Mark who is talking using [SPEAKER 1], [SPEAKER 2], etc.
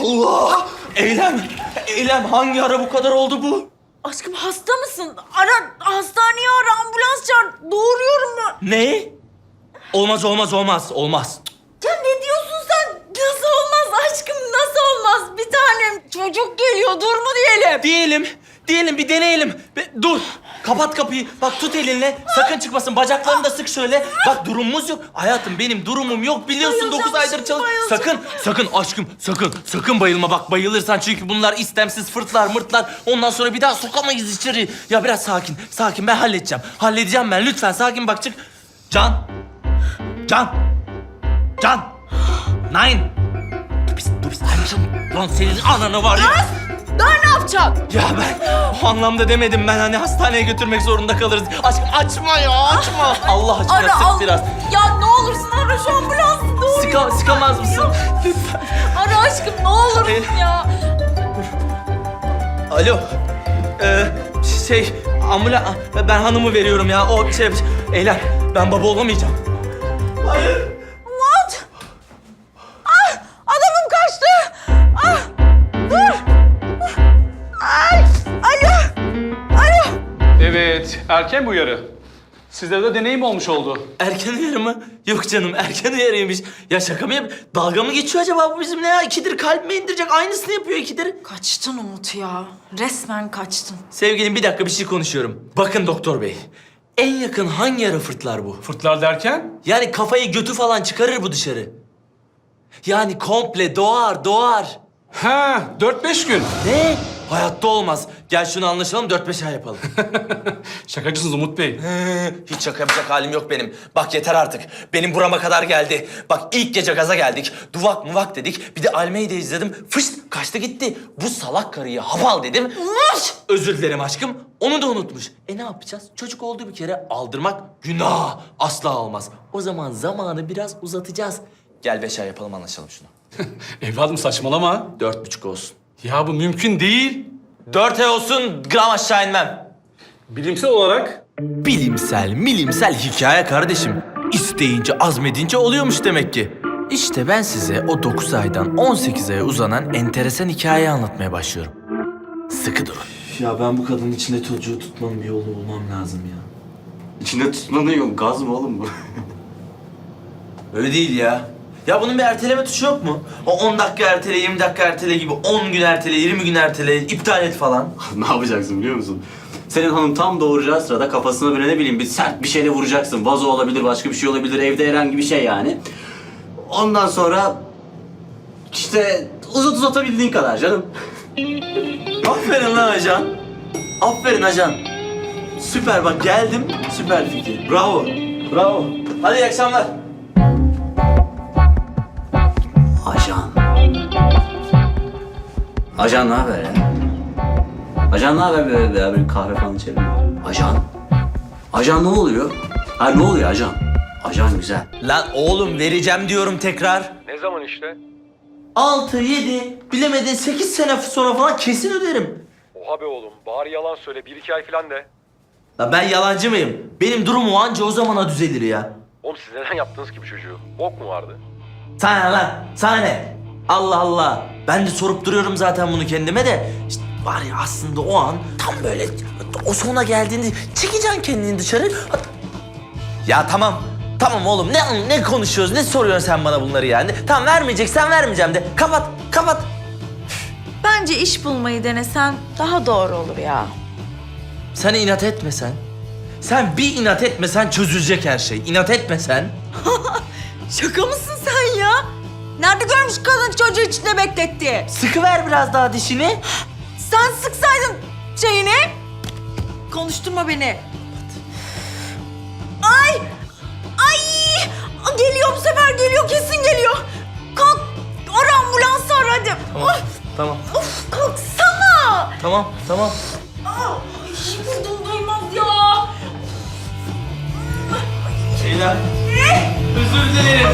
[SPEAKER 1] Allah! Eylem hangi ara bu kadar oldu bu?
[SPEAKER 2] Aşkım hasta mısın? Hastaneye ara, ambulans çağır. Doğuruyorum ben.
[SPEAKER 1] Ne? Olmaz.
[SPEAKER 2] Ya ne diyorsun sen? Nasıl olmaz aşkım, nasıl olmaz? Bir tanem çocuk geliyor, dur mu diyelim?
[SPEAKER 1] Diyelim bir deneyelim. Dur. Kapat kapıyı. Bak tut elinle. Sakın çıkmasın. Bacaklarını da sık şöyle. Bak durumumuz yok. Hayatım benim durumum yok. Biliyorsun 9 aydır çalış. Sakın aşkım. Sakın bayılma. Bak bayılırsan çünkü bunlar istemsiz mırtlar. Ondan sonra bir daha sokamayız içeri. Ya biraz sakin. Ben halledeceğim ben. Lütfen sakin bak çık. Can. Nine. Dur biz. Lan senin ananı var ya.
[SPEAKER 2] Daha ne yapacaksın?
[SPEAKER 1] Ya ben o anlamda demedim ben hani hastaneye götürmek zorunda kalırız. Aşkım açma ya açma. Allah aşkına sık biraz.
[SPEAKER 2] Ya ne olursun ara şu ambulansı doğru.
[SPEAKER 1] Sıkamaz mısın? Lütfen.
[SPEAKER 2] Ara aşkım ne olursun ya.
[SPEAKER 1] Alo. Ben hanımı veriyorum ya. Eylem ben baba olamayacağım. Hayır.
[SPEAKER 2] What? Adamım kaçtı. Dur. Alo.
[SPEAKER 3] Evet, erken bir uyarı. Sizlere de deneyim olmuş oldu.
[SPEAKER 1] Erken uyarı mı? Yok canım erken uyarıymış. Ya şaka mı dalga mı geçiyor acaba bu bizimle ya? İkidir kalbime indirecek aynısını yapıyor ikidir.
[SPEAKER 2] Kaçtın Umut ya. Resmen kaçtın.
[SPEAKER 1] Sevgilim bir dakika bir şey konuşuyorum. Bakın doktor bey. En yakın hangi ara fırtlar bu?
[SPEAKER 3] Fırtlar derken?
[SPEAKER 1] Yani kafayı götü falan çıkarır bu dışarı. Yani komple doğar.
[SPEAKER 3] Ha, 4-5 gün.
[SPEAKER 1] Ne? Hayatta olmaz. Gel şunu anlaşalım 4-5 ay yapalım.
[SPEAKER 3] Şakacısınız Umut Bey.
[SPEAKER 1] Hiç şaka yapacak halim yok benim. Bak yeter artık. Benim burama kadar geldi. Bak ilk gece gaza geldik. Duvak muvak dedik. Bir de Almeyda izledim. Fışt kaçtı gitti. Bu salak karıyı hapal dedim. Özür dilerim aşkım. Onu da unutmuş. Ne yapacağız? Çocuk oldu bir kere aldırmak günah. Asla olmaz. O zaman zamanı biraz uzatacağız. Gel 5 ay yapalım anlaşalım şunu.
[SPEAKER 3] Evladım saçmalama.
[SPEAKER 1] 4,5 olsun.
[SPEAKER 3] Ya bu mümkün değil.
[SPEAKER 1] 4 ay olsun gram aşağı inmem.
[SPEAKER 3] Bilimsel olarak
[SPEAKER 1] Bilimsel hikaye kardeşim. İsteyince, azmedince oluyormuş demek ki. İşte ben size o 9 aydan 18 aya uzanan enteresan hikayeyi anlatmaya başlıyorum. Sıkı durun. Ya ben bu kadının içinde çocuğu tutmanın bir yolunu bulmam lazım ya.
[SPEAKER 4] İçinde tutmanın yok. Gaz mı oğlum bu?
[SPEAKER 1] Öyle değil ya. Ya bunun bir erteleme tuşu yok mu? O 10 dakika ertele, 20 dakika ertele gibi 10 gün ertele, 20 gün ertele, iptal et falan.
[SPEAKER 4] Ne yapacaksın biliyor musun? Senin hanım tam doğuracağı sırada kafasına böyle ne bileyim bir sert bir şeyle vuracaksın. Vazo olabilir, başka bir şey olabilir, evde herhangi bir şey yani. Ondan sonra işte uzatabildiğin kadar canım.
[SPEAKER 1] Aferin lan ajan. Aferin ajan. Süper bak geldim. Süper fikir. Bravo. Hadi iyi akşamlar.
[SPEAKER 4] Ajan ne haber ya? Ajan ne haber böyle bir kahve falan içelim. Ajan ne oluyor? Ha ne oluyor ajan? Ajan güzel.
[SPEAKER 1] Lan oğlum vereceğim diyorum tekrar.
[SPEAKER 3] ne zaman işte?
[SPEAKER 1] 6, 7, bilemedin 8 sene sonra falan kesin öderim.
[SPEAKER 3] Oha be oğlum, bari yalan söyle. 1-2 ay falan de.
[SPEAKER 1] Lan ben yalancı mıyım? Benim durumum anca o zamana düzelir ya.
[SPEAKER 3] Oğlum siz neden yaptınız ki bu çocuğu? Bok mu vardı?
[SPEAKER 1] Sana ne lan? Sana ne? Allah Allah. Ben de sorup duruyorum zaten bunu kendime de. İşte var ya aslında o an tam böyle o sona geldiğinde çekeceksin kendini dışarı. Ya tamam. Tamam oğlum ne konuşuyoruz? Ne soruyorsun sen bana bunları yani? Tamam vermeyeceksen vermeyeceğim de. Kapat.
[SPEAKER 2] Bence iş bulmayı denesen daha doğru olur ya.
[SPEAKER 1] Sen inat etmesen. Sen bir inat etmesen çözülecek her şey. İnat etmesen.
[SPEAKER 2] Şaka mısın sen ya? Nerede görmüş kadın çocuğu içinde bekletti?
[SPEAKER 1] Sıkıver biraz daha dişini.
[SPEAKER 2] Sen sıksaydın şeyini. Konuşturma beni. Ay! Geliyor bu sefer geliyor kesin geliyor. Kalk ara ambulansı ara hadi.
[SPEAKER 1] Tamam.
[SPEAKER 2] Of kalksana.
[SPEAKER 1] Tamam.
[SPEAKER 2] Ay buradan duymaz ya.
[SPEAKER 1] Şeyler. Özür dilerim.